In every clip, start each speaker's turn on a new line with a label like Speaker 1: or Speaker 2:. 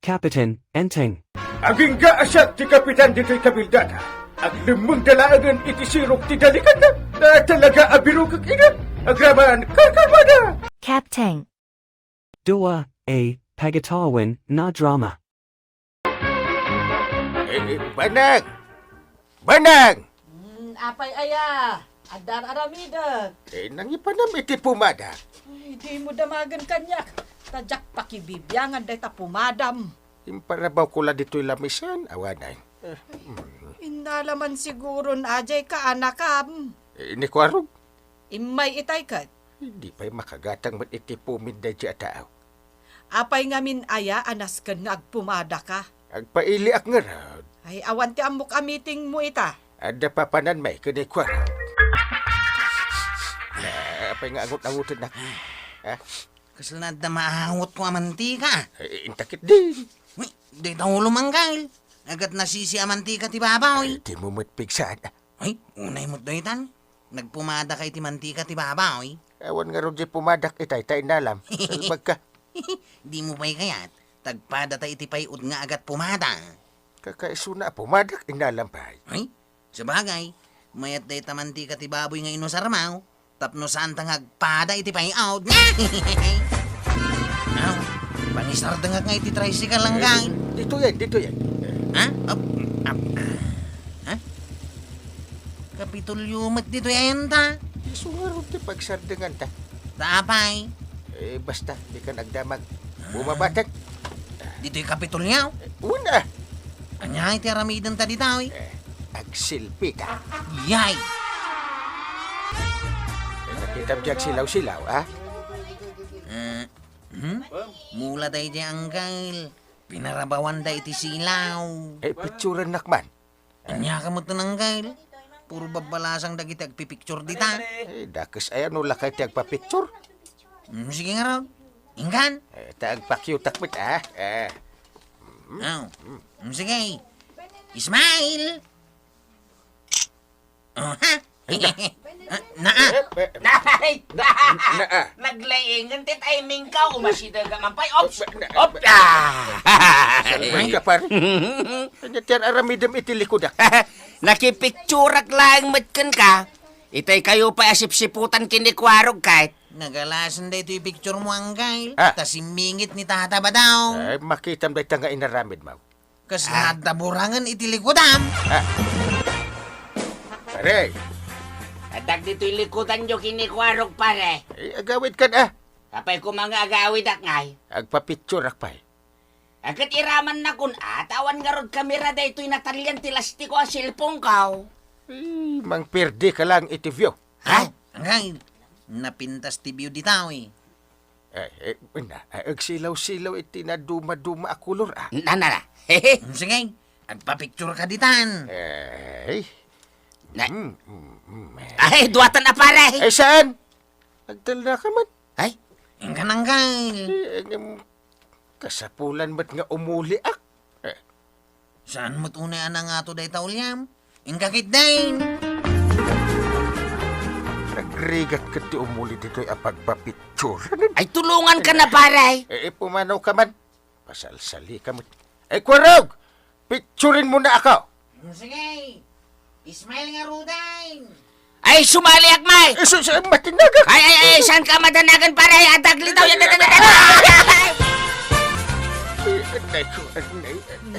Speaker 1: Kapitan, Enteng.
Speaker 2: Aging gaasat ti kapitan dito'y kabildada. Ang limang dalaagan iti sirok ti dalikan na. Na talaga abiro kag ina. Agraman karkarmada.
Speaker 3: Captain.
Speaker 1: Dua, A. Pagatawan, na drama.
Speaker 2: Banang! Banang!
Speaker 4: Apay aya, adar aramida.
Speaker 2: Nangipanam iti pumada.
Speaker 4: Ay, di mo damagan kanyak. Tadyak pakibibyangan day ta pumadam.
Speaker 2: Imparabaw ko la dito'y lamisan, awanay.
Speaker 4: Inalaman siguro na ajay ka anakam.
Speaker 2: Ni Kwarog,
Speaker 4: Imay itay kat.
Speaker 2: hindi pa'y makagatang mat iti puminda di ataaw.
Speaker 4: Apay ngamin aya anas ka nga agpumada ka.
Speaker 2: Agpaili ak nga raw.
Speaker 4: Ay awan ti amok amiting mo ita.
Speaker 2: Ada papanan may ka ni Kwarog. Apay nga angot-angutan na.
Speaker 5: Kasalad na maahangot ko amantika.
Speaker 2: Intakit din.
Speaker 5: Uy, di tayo lumanggal. Agad nasisi amantika ti babaw.
Speaker 2: Di mo matpigsaan.
Speaker 5: Ay, unay mo doitan. Nagpumada kay ti mantika ti babaw.
Speaker 2: Awan nga rin di pumadak itay tayo nalam. Salbag ka.
Speaker 5: Di mo pa'y kayat. Tagpada tayo iti payud nga agad pumada.
Speaker 2: Kakaisuna pumadak inalam pa.
Speaker 5: Ay, sabagay. Mayat day ta mantika ti baboy nga inosarmaw. Tapno saan tang agpada iti payud. Aw, pangisardangag nga iti tricycle lang gang.
Speaker 2: Dito yan.
Speaker 5: Ha? Ha? Kapitulyumat dito yan ta.
Speaker 2: Isungarot ti pagsardangan ta.
Speaker 5: Tapay.
Speaker 2: Basta, di ka nagdamag. Bumabatag.
Speaker 5: Dito yung kapitulyaw.
Speaker 2: Una,
Speaker 5: Anya iti aramidan ta ditaw eh.
Speaker 2: agsilpi ta.
Speaker 5: Yay!
Speaker 2: Nakita mo diyag silaw-silaw, ha?
Speaker 5: Mula tayo di anggal. Pinarabawan da iti silaw.
Speaker 2: Picturan nakman.
Speaker 5: Anya ka mo ito nanggal. Puro babalasang dagiti agpipicture dita.
Speaker 2: Dakas ayan no lakay ti agpa-picture.
Speaker 5: Sige nga raw. Ingkan.
Speaker 2: Taagpa-cute-akmit, ha?
Speaker 5: Aw. Sige. Ismail. Oh, ha? Naa.
Speaker 6: Nay!
Speaker 2: Naa.
Speaker 6: Naglaingan ti timing ka. Umasida ka man pa'y. Ops!
Speaker 2: Ops! Salman ka, par. Tiyan aramidam iti likodak.
Speaker 6: Nakipicturak lang matkan ka. Itay kayo pa asip-siputan kinikwarog kahit.
Speaker 5: Nagalasan da ito yung picture mo anggal.
Speaker 2: Ah.
Speaker 5: Tas imingit ni tata ba daw?
Speaker 2: Makita mo dahil nga inaramid, mau.
Speaker 5: Kas nadaburangan iti likodam.
Speaker 2: Pare,
Speaker 6: Adag dito'y likutan nyo kinikwarog pare.
Speaker 2: agawid ka na.
Speaker 6: Kapay ko mga agawid ak ngay.
Speaker 2: Agpa-picture akpay.
Speaker 6: Agkat iraman na kun atawan nga rod kamera da ito'y natalyan ti lastiko ang silpong kaw.
Speaker 2: Mang perdi ka lang iti view.
Speaker 6: Ha?
Speaker 5: Anggal. Napintas ti view ditaw eh.
Speaker 2: Agsilaw-silaw iti na duma-duma akulor, ah.
Speaker 6: Na. Hehe.
Speaker 5: Sige. Agpa-picture ka ditan.
Speaker 6: Ay, duwatan na pare.
Speaker 2: Saan? Agdal na ka man.
Speaker 6: Ay,
Speaker 5: Ingkan anggal.
Speaker 2: Kasapulan ba't nga umuli ak?
Speaker 5: Saan mo't una na nga to day taulyam? Ingkakit din.
Speaker 2: Nagrigat ka ti umuli dito'y apagpa-picture.
Speaker 6: ay tulungan ka na pare.
Speaker 2: Pumanaw ka man. Pasalsali ka mo. Kwarog! Picturein mo na ako.
Speaker 5: Sige. Ismail nga ruday.
Speaker 6: Ay, sumali ak may.
Speaker 2: Matinaga.
Speaker 6: Ay, saan ka madanagan pare? Adag litaw yan.
Speaker 2: Anay ko, anay.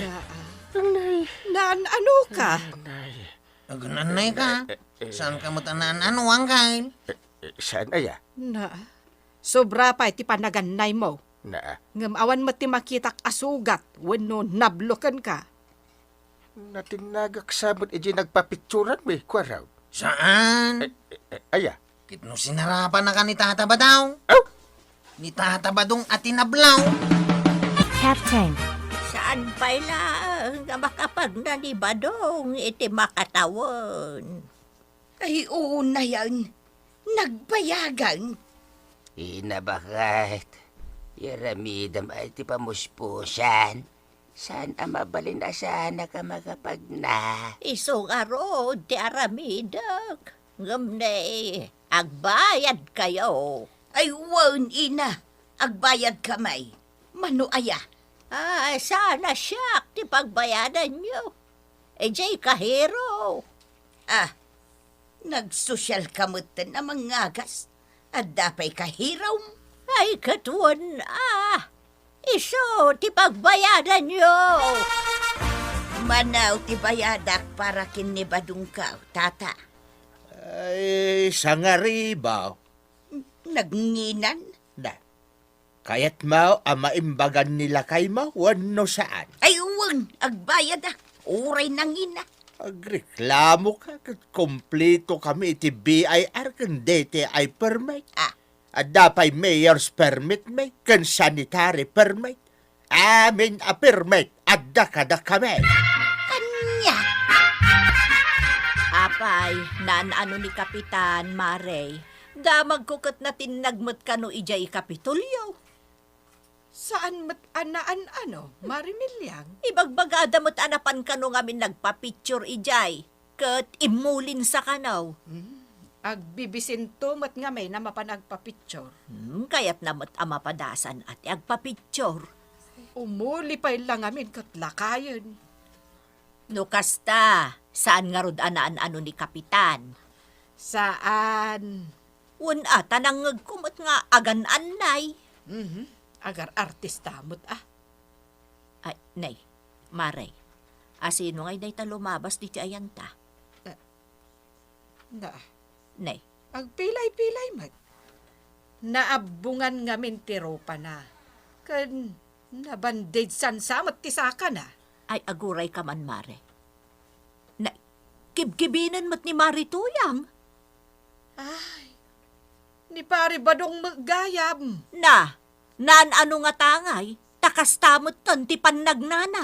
Speaker 4: Naan ano ka?
Speaker 5: Agananay ka. Saan ka matanan ano anggal?
Speaker 2: Saan aya?
Speaker 4: Na. Sobra pa iti panaganay mo.
Speaker 2: Na,
Speaker 4: Ngamawan mo ti makitak asugat. Wano nablokan ka.
Speaker 2: natinagak sabot iji nagpa-picturean mo, Kwaraw.
Speaker 5: Saan?
Speaker 2: Aya.
Speaker 5: Kitno sinarapan na ka ni tata ba daw?
Speaker 2: Oh!
Speaker 5: Ni tata ba dong atinablaw?
Speaker 3: Captain.
Speaker 7: Saan pa lang nga makapag nanibadong iti makatawan? Ay, oo na yan. Nagbayagan.
Speaker 6: Inabakat. Yaramidam ay ti pamuspusan. Saan ang mabalin na sana ka makapagna?
Speaker 7: Isong aro, ti aramidak. Ngamne, agbayad kayo. Ay, wan ina. Agbayad kamay. Mano aya. Sana siyak ti pagbayadan nyo. Jay kahero.
Speaker 8: Nagsosyal kamutan na mangagas. At dapay kahiraw.
Speaker 7: Ay katuan iso ti pagbayadan nyo.
Speaker 8: Manaw ti bayadak para kinibadong ka, tata.
Speaker 2: Ay, sangaribaw.
Speaker 8: Nagnginan.
Speaker 2: Na. Kayat mo ang maimbagan nila kay mo, wano saan.
Speaker 8: Ay uwang, agbayad Uray nang ina.
Speaker 2: Agreklamo ka, kat kompleto kami iti BIR kundi ti ay permit. At dapay mayor's permit may, kan sanitary permit. Amin a permit, at dakada kami.
Speaker 8: Anya?
Speaker 7: Apay, ano ni Kapitan Marey, damag kukot na tinagmat ka no ijay Kapitulyo.
Speaker 4: Saan mat anaan ano, Marimilyang?
Speaker 7: Ibagbagada mo't anapan ka no ngamin nagpa-picture ijay, kat imulin sa kanaw.
Speaker 4: Agbibisinto mat nga may na mapanagpapicture.
Speaker 7: Kaya't namat amapadasan at agpa-picture.
Speaker 4: Umuli pa lang amin kat lakayan.
Speaker 7: No kasta, saan nga rod anaan ano ni Kapitan?
Speaker 4: Saan?
Speaker 7: Una, tanangag kumot nga agan anay.
Speaker 4: Agar artista mo't
Speaker 7: Ay, nay, Marey, asino ngay day ta lumabas di ti ayanta?
Speaker 4: Na,
Speaker 7: Nay,
Speaker 4: agpilay-pilay mat. Naabungan ngamin ti ropa na. Kan nabandage san samat ti saka na.
Speaker 7: ay aguray ka man, Mare. Nay, kibkibinan mo't ni Marituyang.
Speaker 4: Ay, ni pare badong magayam.
Speaker 7: Nan ano nga tangay, takastamot ton ti pannagnana.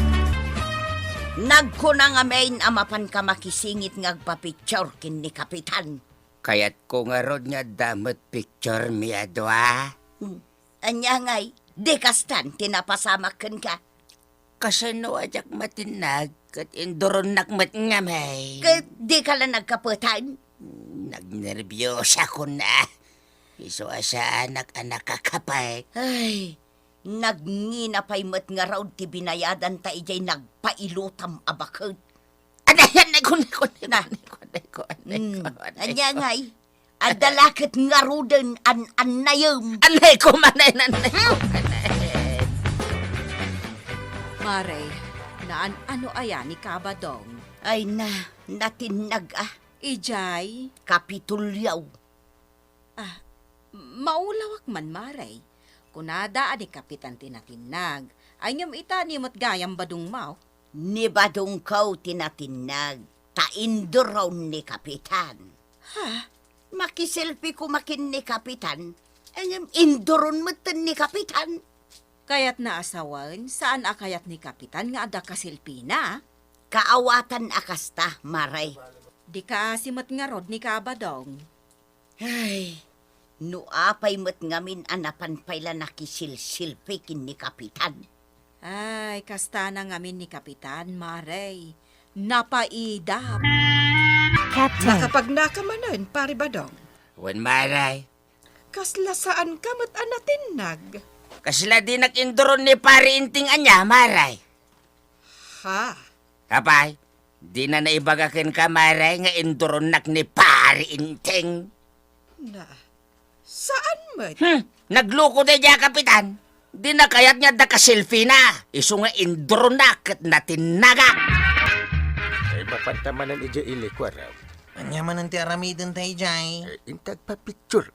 Speaker 8: Nagkuna nga main amapan ka makisingit ngagpapicture kin ni Kapitan.
Speaker 6: Kaya't ko nga rod nga damot picture mi adwa.
Speaker 8: Anya ngay, dekastan tinapasamakan ka.
Speaker 6: Kasano ajak matinag kat indoron nakmat nga may.
Speaker 8: Di ka lang nagkaputan.
Speaker 6: Nagnerbyosya ko na. Iso asa anak-anak kakapay.
Speaker 8: Ay, nagninapay mat nga raw ti binayadan ta ijay nagpailutam abakod.
Speaker 6: Anayan,
Speaker 8: Na. Anya ngay, adalakit nga ruden an-anayam.
Speaker 6: Anay ko manay, nanay ko manay.
Speaker 9: Marey, ano aya ni Kabadong?
Speaker 8: Ay natinag
Speaker 9: Ijay,
Speaker 8: kapitulyaw.
Speaker 9: maulawak man Marey. Kunada ani Kapitan tinatinag, ay ngam ita ni mo't gayam badung mau.
Speaker 8: Ni badong kaw tinatinag, taindur raw ni Kapitan. Makiselfie ko makin ni Kapitan, ang indoron mo ni Kapitan.
Speaker 9: Kaya't naasawan, saan akayat ni Kapitan nga ada kasilpina?
Speaker 8: Kaawatan akasta, Maray.
Speaker 9: Di ka simat nga rod ni Kabadong.
Speaker 8: Ay, nuapay mo't ngamin anapan payla nakisilsilpi kin ni Kapitan.
Speaker 9: Ay, kasta na ngamin ni Kapitan, Marey. Napaidap.
Speaker 3: Captain.
Speaker 4: Nakapag nakamanan, pare badong.
Speaker 6: Wan maray.
Speaker 4: Kasla saan ka mat anatinag?
Speaker 6: Kasla di nag-indoron ni pari inting anya, maray.
Speaker 4: Ha?
Speaker 6: Kapay, di na naibagakin ka, maray, nga indoron nak ni pari inting.
Speaker 4: Na, saan mat?
Speaker 6: Nagluko na niya, Kapitan. Di na kayat niya da ka-selfie na. Iso nga indoron na kat natinaga.
Speaker 2: Ay, mapantamanan ija ilikwaraw.
Speaker 5: Anya man ang ti aramidin tayo, Jay.
Speaker 2: Intag pa picture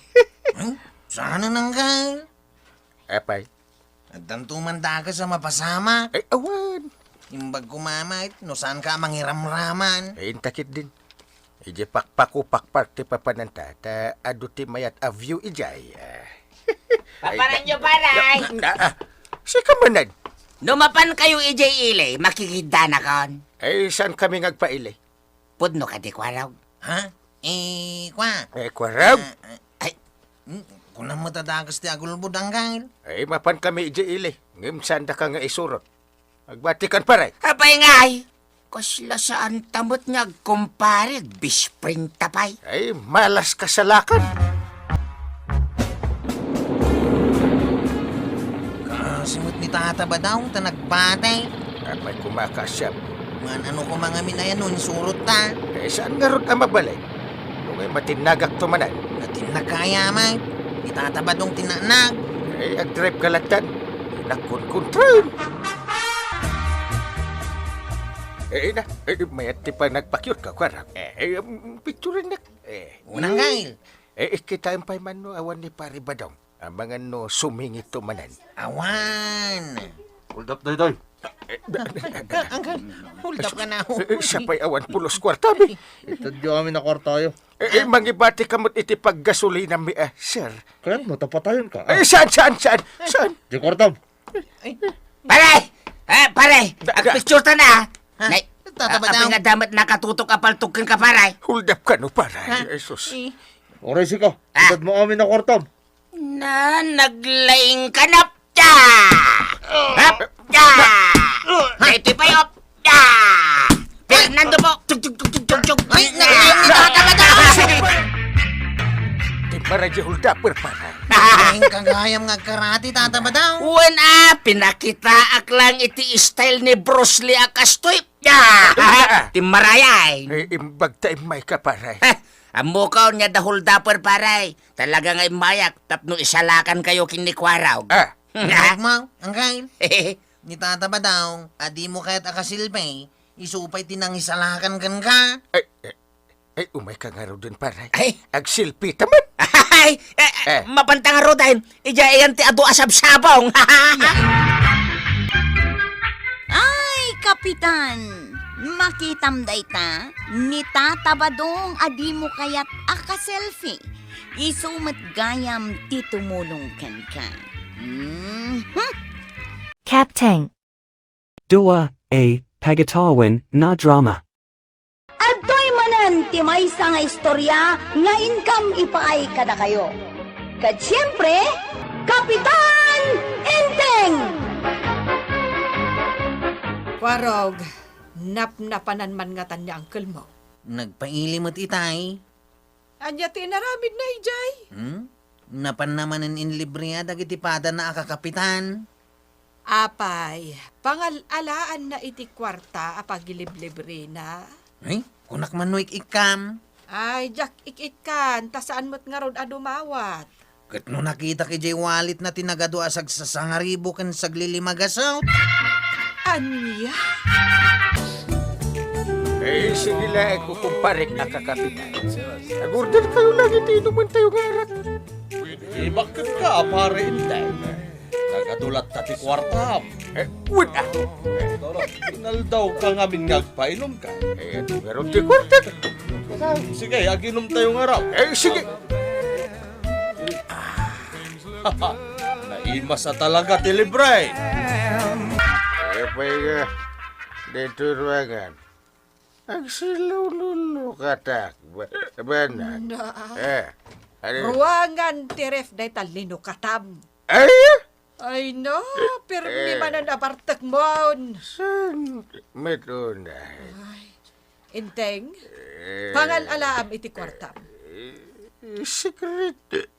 Speaker 5: Sana nang ka?
Speaker 2: Apay.
Speaker 5: At tantumanda ka sa mapasama.
Speaker 2: Ay, awan.
Speaker 5: Imbag kumamait, no saan ka mangiramraman.
Speaker 2: Ay, intakit din. Ije pakpaku pakparte papananta, ta aduti mayat a view ijay.
Speaker 6: Paparan nyo, paray.
Speaker 2: Si kamanan.
Speaker 6: Numapan kayo ijay ilay, makikita na kon.
Speaker 2: Ay, saan kami ngagpailay?
Speaker 6: Pudno ka di kwaraw.
Speaker 5: Ha? Kwa?
Speaker 2: Kwaraw.
Speaker 6: Ay,
Speaker 5: Kunang matadagas ti agulbud ang kail.
Speaker 2: Ay, mapan kami ijay ilay. Ngim sanda ka nga isurot. Agbatikan paray.
Speaker 6: apay ngay. Kasla saan tamot niya kumpare, bispring tapay.
Speaker 2: Ay, malas kasalakan.
Speaker 5: Kasimot ni itataba daw, tanagpatay.
Speaker 10: May kumakasyap.
Speaker 5: Man ano ko mga minayan nun, surot ta.
Speaker 10: Saan nga ron ang mabalay? Kung ay matinagak tumanan.
Speaker 5: Natinagkaya may. Itataba dong tinanag.
Speaker 10: Ag-drive kalatan. Nakon-kontrol. Mayat ti pa nagpakyot ka, kwarang. Picture na.
Speaker 5: Unang gail.
Speaker 10: Kita ang payman no, awan ni pari badong. Ang mga no, sumingit tumanan.
Speaker 5: Awan.
Speaker 2: Hold up, Dayday.
Speaker 5: Hold up ka na ho.
Speaker 10: Siya pa'y awan pulos kwartabi.
Speaker 2: Itadyo kami na kwartayo.
Speaker 10: Mangibati kamot iti paggasolina mi, sir.
Speaker 2: Kaya mo, tapatayon ka.
Speaker 10: Saan?
Speaker 2: Di kwartam.
Speaker 6: Pare! Pare! Picture ta na! Nay,
Speaker 5: Tataba daw.
Speaker 6: apay nga damat nakatutok apaltukin ka, pare.
Speaker 10: Hold up ka no, para. Jesus.
Speaker 2: Oray si ka. Itad mo kami na kwartam.
Speaker 6: Na, naglaing kanap ta! Hap ta! Ito'y payop ta! Fernando po! Tug!
Speaker 5: Ay, itataba daw.
Speaker 10: Di para di hold up, para.
Speaker 5: Ay, kagayam nga karate, tataba daw.
Speaker 6: Uwan pinakita ak lang iti style ni Bruce Lee akastoy. Timarayay.
Speaker 10: Imbag tayo may ka, para.
Speaker 6: Amo ka niya dahol dapper paray. Talaga nga mayak tapno isalakan kayo kinikwaraw.
Speaker 5: Huwag mo, ang gail. Itataba daw, adi mo kaya't akasilpay, isupay tinangisalakan kan ka.
Speaker 10: Umay ka nga ro dun, para.
Speaker 6: Ay.
Speaker 10: Agsilpi taman.
Speaker 6: Ay, mapantang aro dahil. Ija iyan ti ado asab-sabong.
Speaker 8: Ay, Kapitan! Makitam dayta, nitatabadong adi mo kayat aka-selfie. Isumat gayam ti tumulong kan ka.
Speaker 3: Captain.
Speaker 1: Dua, A. Pagatawan, na drama.
Speaker 8: Adoy manan ti maysa nga istorya nga income ipaay kada kayo. Kat siyempre, Kapitan Enteng!
Speaker 4: Warog, napnapanan man nga tan niya uncle mo.
Speaker 5: Nagpailimot itay.
Speaker 4: Anya tinaramid na ijay.
Speaker 5: Napan naman in libre dagiti pada na akakapitan.
Speaker 4: Apay, pangalalaan na iti kwarta apagiliblibre na.
Speaker 5: Ay, kunak man no ikam.
Speaker 4: Ay, Jack, ikikan, tasaan mo't nga rod adumawat.
Speaker 5: Kat no nakita kay Jay Wallet na tinagado asag sa sangaribo kan saglilimagasot.
Speaker 4: Anya?
Speaker 10: Sige lang, kukumparik na kakapitan. Nag-order kayo lang, iti inuman tayo nga arat.
Speaker 2: Bakit ka, pare Inteng? Nagadulat ka ti kwartam.
Speaker 10: Wala.
Speaker 2: Inal daw ka ngamin ngagpainom ka.
Speaker 10: Ito nga ron di kwartat.
Speaker 2: Sige, aginom tayo nga raw.
Speaker 10: Sige.
Speaker 2: Naimas na talaga ti libre.
Speaker 10: Pay nga, dito ruangan. Ang silululo katak. Banan.
Speaker 4: Ruangan ti ref day talino katam.
Speaker 10: Ay!
Speaker 4: Ay no, pirmi man ang apartak mo.
Speaker 10: San metuna?
Speaker 4: Inteng, pangalaam iti kwartam.
Speaker 10: Secret.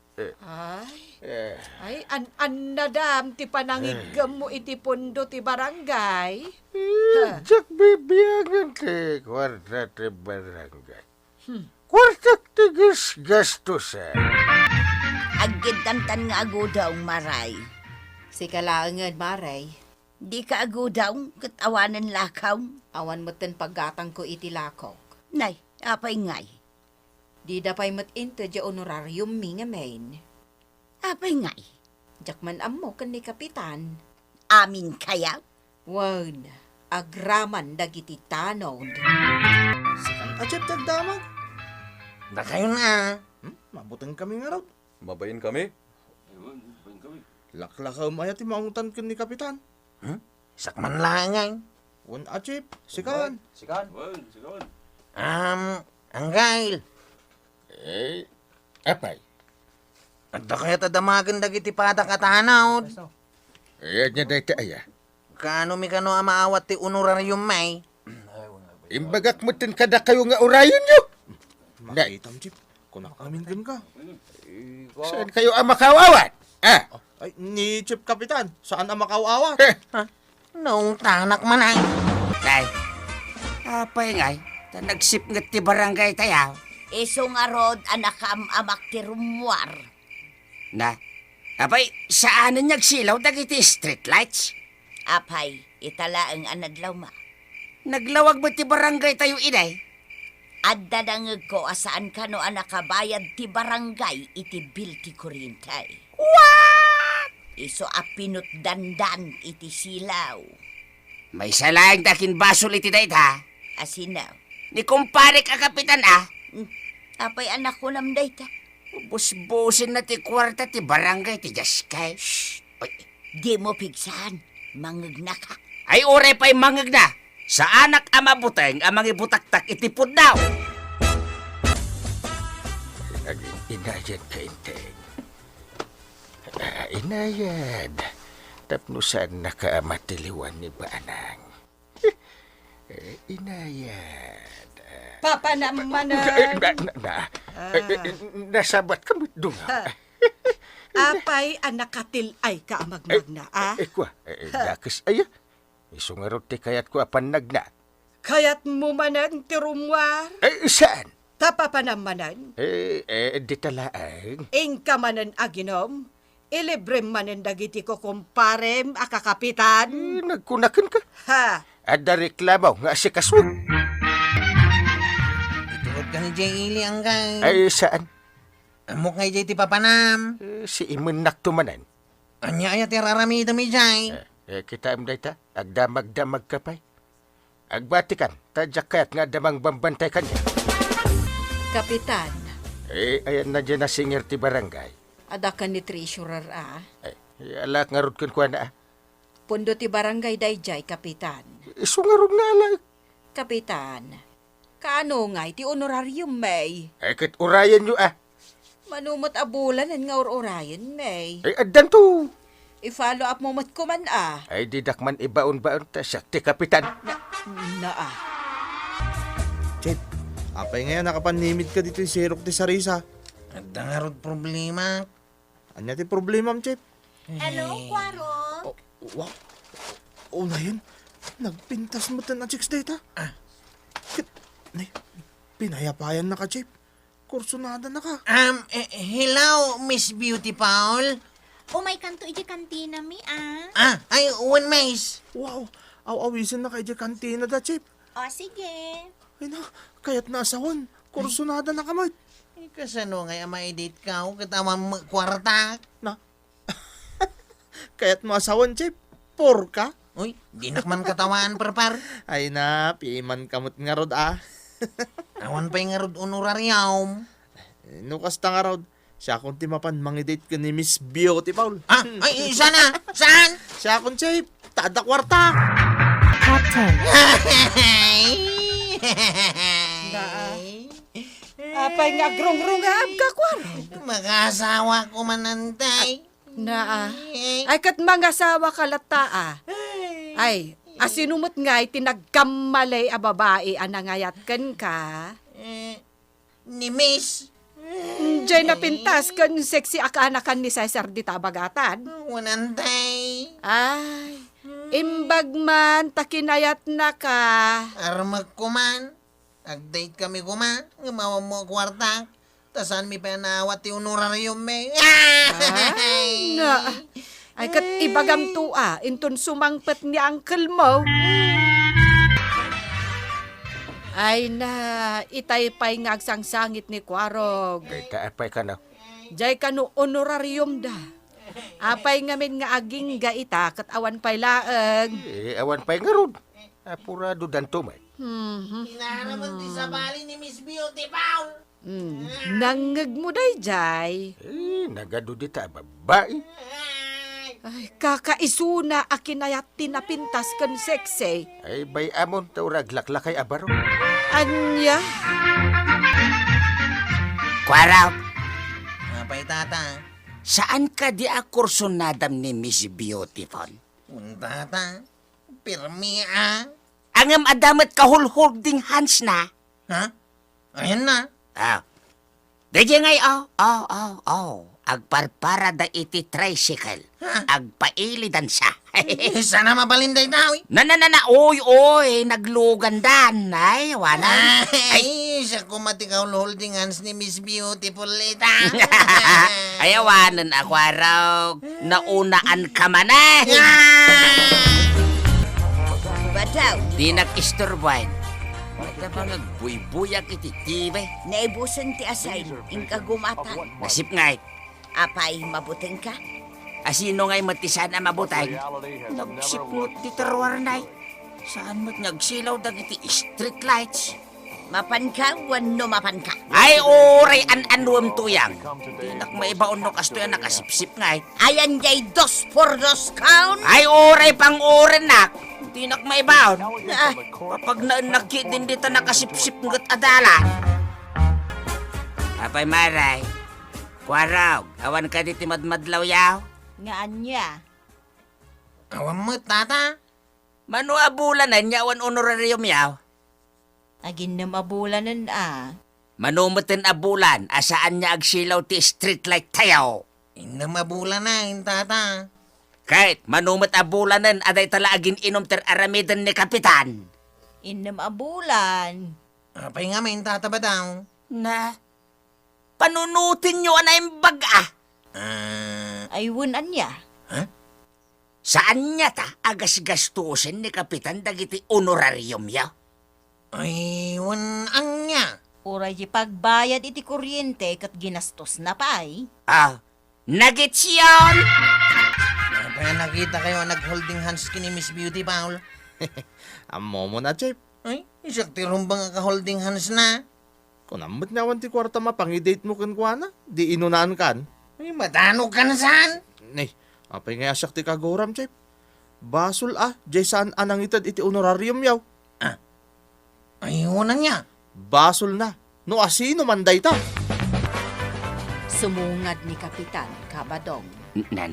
Speaker 4: Ay, nadam ti panangigam mo iti pundo ti barangay.
Speaker 10: Jack bibiyangan ti kwarta ti barangay. Kwarta ti gastusan.
Speaker 8: Aggidantan nga agudaw, Maray.
Speaker 9: Si kalaangan, Maray.
Speaker 8: Di ka agudaw, katawanan lakaw.
Speaker 9: Awan mo ten paggatang ko iti lakok.
Speaker 8: Nay, apay ngay.
Speaker 9: Di dapay mat into di honorarium mi nga main.
Speaker 8: Apay ngay.
Speaker 9: Jakman ammo kan ni Kapitan.
Speaker 8: Amin kaya?
Speaker 9: Wan, agraman dagiti tanod.
Speaker 2: Achip tagdamag.
Speaker 5: Da kayo na.
Speaker 2: Mabuting kami nga raw.
Speaker 11: Mabayin kami.
Speaker 2: Laklaka umaya ti maungutan ka ni Kapitan.
Speaker 5: Sakman langay.
Speaker 2: Wan achip, sikan.
Speaker 5: Ang gail.
Speaker 10: Apay.
Speaker 5: Adda kaya tadamagan dagiti pada katanawd.
Speaker 10: Ayan niya dahil aya.
Speaker 5: Kano mi kano amaawat ti honorarium may.
Speaker 10: Imbagak mo tin kada kayo nga orayon nyo.
Speaker 2: Makaitam, Chip. Kunak namin din ka.
Speaker 10: Saan kayo ang makawawat?
Speaker 2: Ay, ni Chief Kapitan, saan ang makauawat?
Speaker 5: Noong tanak man ay.
Speaker 6: Day, apay ngay, ta nagsip nga ti barangay tayaw.
Speaker 7: Iso nga rod anak amak ti rumwar.
Speaker 6: Na, apay, saan nagsilaw dagiti street lights?
Speaker 7: Apay, itala ang anadlaw ma.
Speaker 6: Naglawag mo ti barangay tayo, inay?
Speaker 7: Adda dangeg ko asaan ka no anak kabayad ti barangay iti bil ti kurintay.
Speaker 6: What?
Speaker 7: Iso apinot dandan iti silaw.
Speaker 6: May salayang dakin basol iti dayt, ha?
Speaker 7: Asinaw.
Speaker 6: Ni kumpare ka, kapitan, ah.
Speaker 7: Apay anak ko nam dayta.
Speaker 6: Busbusin na ti kwarta ti barangay ti Jaskay. Shh! Oy,
Speaker 7: Di mo pigsahan. Mangeg na ka.
Speaker 6: ay ore pa'y mangag na. Sa anak ama buteng amang ibutaktak itipod daw.
Speaker 10: Inayad ka, Inteng. Inayad. Tapnusan nakamatiliwan ni Banang. Inayad.
Speaker 4: Papa naman
Speaker 10: Nasabat ka mo't dunga.
Speaker 4: Apay anak katil ay kaamagmag na,
Speaker 10: Kwa, dakas aya. Isungarot ti kayat ko apan nagna.
Speaker 4: Kayat mo manan ti rumwar.
Speaker 10: Saan?
Speaker 4: Tapa pa namanan.
Speaker 10: Di talaang.
Speaker 4: Ingka manan aginom. Ilibre manan dagiti ko kumparem akakapitan.
Speaker 10: Nagkunakan ka.
Speaker 4: Ha?
Speaker 10: Ada reklamaw nga si kaswag.
Speaker 5: Itulog ka ni Jay Ili ang kay.
Speaker 10: Saan?
Speaker 5: Amok ngay Jay ti papanam.
Speaker 10: Si Iman naktumanan.
Speaker 5: Anya aya ti raramida mi Jay.
Speaker 10: Kita am dayta, agdamag-damag ka pa'y. Agbatikan, tadyak kayat nga damang bambantay kanya.
Speaker 9: Kapitan,
Speaker 10: Ayan na dyan na singir ti barangay.
Speaker 9: ada ka ni treasurer
Speaker 10: Alak nga rod kun na.
Speaker 9: Pundo ti barangay dayjay, kapitan.
Speaker 10: Isungarod na alak.
Speaker 9: Kapitan, kaano nga iti honorarium may?
Speaker 10: Kit urayan nyo
Speaker 9: Manumot abulan nga orayan may.
Speaker 10: Adan to.
Speaker 9: I-follow up mo mat kuman
Speaker 10: Didak man ibaon-baon ta siya ti kapitan.
Speaker 9: Na
Speaker 2: Chip, apay ngayon nakapanimid ka dito yung sirok ti Sarisa.
Speaker 5: At nga rod problema.
Speaker 2: Anya ti problema, Chip?
Speaker 7: Hello, Kwaro?
Speaker 2: Wow. Na yun. Nagpintas mo ta na chicks data. Pinayapayan na ka, Chip. Kursunada na ka.
Speaker 5: Hello, Miss Beauty Paul.
Speaker 3: Umay kanto iti kantina mi,
Speaker 5: Ay, one mais.
Speaker 2: Wow. Aw-awisin na kay di kantina da, Chip.
Speaker 3: O, sige.
Speaker 2: Ay na, kaya't nasawan. Kursunada na kamay.
Speaker 5: Kasano nga ma-edit ka o katawa mo kwarta?
Speaker 2: Na. Kaya't masawan, Chip. Por ka.
Speaker 5: Uy, di nakman katawaan parpar.
Speaker 2: Ay na, piman kamot nga rod
Speaker 5: Awan pa yung nga rod honorarium.
Speaker 2: Nukas ta nga rod. Siya akong timapan, mangidate ka ni Miss Beauty, Paul.
Speaker 5: Ay, sana? Saan?
Speaker 2: Siya akong, Chip. Tada kwarta.
Speaker 3: Captain.
Speaker 4: Apay nga grong-rungab ka, Kwaro.
Speaker 5: Mag-asawa ko manantay.
Speaker 4: Ay kat mga sawa kalata Ay, asinumot nga tinagkamalay a babae anangayatkan ka.
Speaker 5: Ni Miss.
Speaker 4: Diyan napintas kan sexy akanakan ni Cesar di tabagatan.
Speaker 5: Wanantay.
Speaker 4: Ay, imbag man takinayat na ka.
Speaker 5: Armag ko man. Ag-date kami ko man. Ngamawa mo kwarta. Tasan mi panawat ti honorarium me.
Speaker 4: Ay, na. Ay kat ibagam to inton sumangpet ni uncle mo. Ay na, itay pa'y ngagsangsangit ni Kwarog.
Speaker 10: Apay ka na.
Speaker 4: Jay ka no honorarium da. Apay ngamin nga aging gaita kat awan pa'y laeng.
Speaker 10: Awan pa'y nga rod. Apurado dan tumay.
Speaker 5: Hinaharaman ti sa bali ni Miss Beauty Paul.
Speaker 4: Nangag mo day, Jay.
Speaker 10: Nagado di ta, babae.
Speaker 4: Ay, kakaisuna akinayat tinapintas kan sexy.
Speaker 10: Ay, bay amon, taurag laklakay abaro.
Speaker 4: Anya?
Speaker 6: Kwaraw,
Speaker 5: Napay tata.
Speaker 6: saan ka di akursonadam ni Miss Beautiful?
Speaker 5: Tata. Pirmi
Speaker 6: Angam adamat kahul-holding hands na.
Speaker 5: Ha? Ayan na.
Speaker 6: Dadya ngay, agparpara da iti tricycle. Agpailidan siya.
Speaker 5: Sana mabalinday daw eh.
Speaker 6: Na, oy, naglugandan. Ay, wala.
Speaker 5: Ay, siya kumatikaw holding hands ni Miss Beautiful ita.
Speaker 6: Ayawanan ako araw. Naunaan ka man eh.
Speaker 7: Badaw,
Speaker 6: Di nag-istorbuan. Mata ba nagbuy-buyak iti tibay?
Speaker 7: naibusan ti asay, ingka gumatan.
Speaker 6: Nasip nga
Speaker 7: Apay, mabuting ka?
Speaker 6: asino nga'y matisan na mabutay. Nagsipot ti terwar na Saan mo't nagsilaw dagiti street lights?
Speaker 7: Mapan ka, wano mapan ka.
Speaker 6: Ay, oray an-anwam tuyang. Di nak maibaon no kasto yan nakasipsip nga
Speaker 7: Ayan jay 2 por 2 count.
Speaker 6: Ay, oray pang oren nak. Di nak maibaon.
Speaker 7: Ah,
Speaker 6: Kapag naanaki din dito nakasipsip ngat adala. Apay maray. Kwaraw, awan ka di timadmadlaw yaw.
Speaker 7: nga anya.
Speaker 5: Awan mo, tata.
Speaker 6: Mano abulanan niya awan honorarium yaw.
Speaker 7: Agin na mabulanan
Speaker 6: Manumutin abulan, asaan niya agsilaw ti street light tayaw.
Speaker 5: Ina mabula na, tata.
Speaker 6: Kahit manumit abulanan, aday tala agin inom ter aramidan ni kapitan.
Speaker 7: Inam abulan.
Speaker 5: Apay nga may tata ba daw?
Speaker 6: Na, panunutin niyo anay baga.
Speaker 7: Ayun anya.
Speaker 6: Saan niya ta agas-gastusin ni kapitan dagiti honorarium yaw?
Speaker 5: Ay, ang niya.
Speaker 7: Oray di pagbayad iti kuryente kat ginastos na pay.
Speaker 6: Nagits yun!
Speaker 5: Apay nakita kayo nag-holding hands kini Miss Beauty, Paul.
Speaker 2: Amo mo na, Chip.
Speaker 5: Ay, isak ti rumbang ka-holding hands na.
Speaker 2: Kung amot nawan ti kwarta mapangidate mo kan kuana, di inunaan kan.
Speaker 5: Ay, matanog ka na saan?
Speaker 2: Nay, apay nga asak ti kagoram, Chip. Basol jay saan anang itad iti honorarium yaw.
Speaker 5: Ayun na niya.
Speaker 2: Basol na. No asino manday ta.
Speaker 9: Sumungad ni Kapitan Kabadong.
Speaker 6: Na.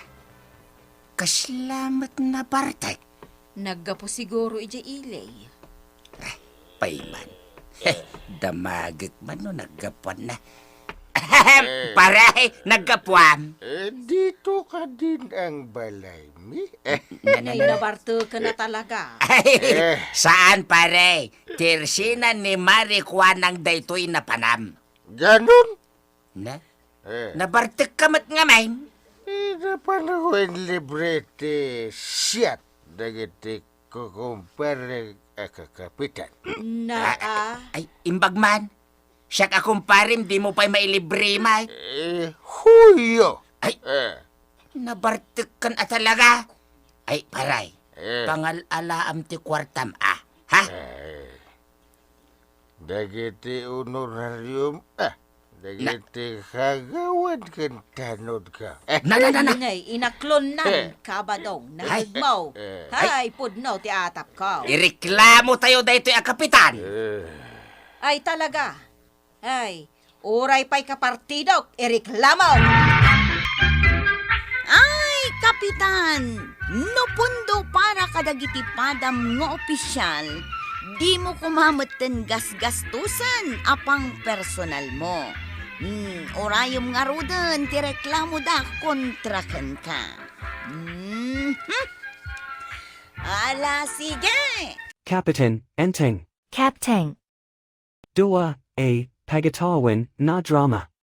Speaker 6: Kaslamat na partay.
Speaker 9: Naggapo siguro ija ilay.
Speaker 6: Payman. Damagit man no naggapuan na. Paray, naggapuan.
Speaker 10: Dito ka din ang balay mi.
Speaker 9: Ay, nabarto ka na talaga.
Speaker 6: Ay, saan pare? Tirsina ni Marie Juan ang daytoy na panam.
Speaker 10: Ganon?
Speaker 6: Na? Nabartik kamat nga main.
Speaker 10: Napanahon librete siyat dagiti kukumpare kapitan.
Speaker 6: Ay, imbag man. Siya kakumparim, di mo pa'y mailibre, may.
Speaker 10: Huyo!
Speaker 6: Ay, nabartik kan talaga. Ay, paray, pangal-alaam ti kwartam, ha?
Speaker 10: Dagiti honorarium, dagiti kagawad kan tanod ka.
Speaker 6: Na.
Speaker 9: Ngay, inaklon nan, Kabadong, nahigmaw. Hay, pudnaw ti atap ka.
Speaker 6: Ireklamo tayo daytoy a kapitan.
Speaker 9: Ay, talaga. Ay, oray pa'y kapartidok, ireklamo.
Speaker 3: Ay, kapitan! No pundo para kadagiti padam nga opisyal, di mo kumamatan gas-gastusan apang personal mo. Orayom nga rudan, ti reklamo da kontrakan ka. Ala, sige!
Speaker 1: Kapitan, Enteng.
Speaker 3: Captain.
Speaker 1: Dua, A, Pagatawan, na drama.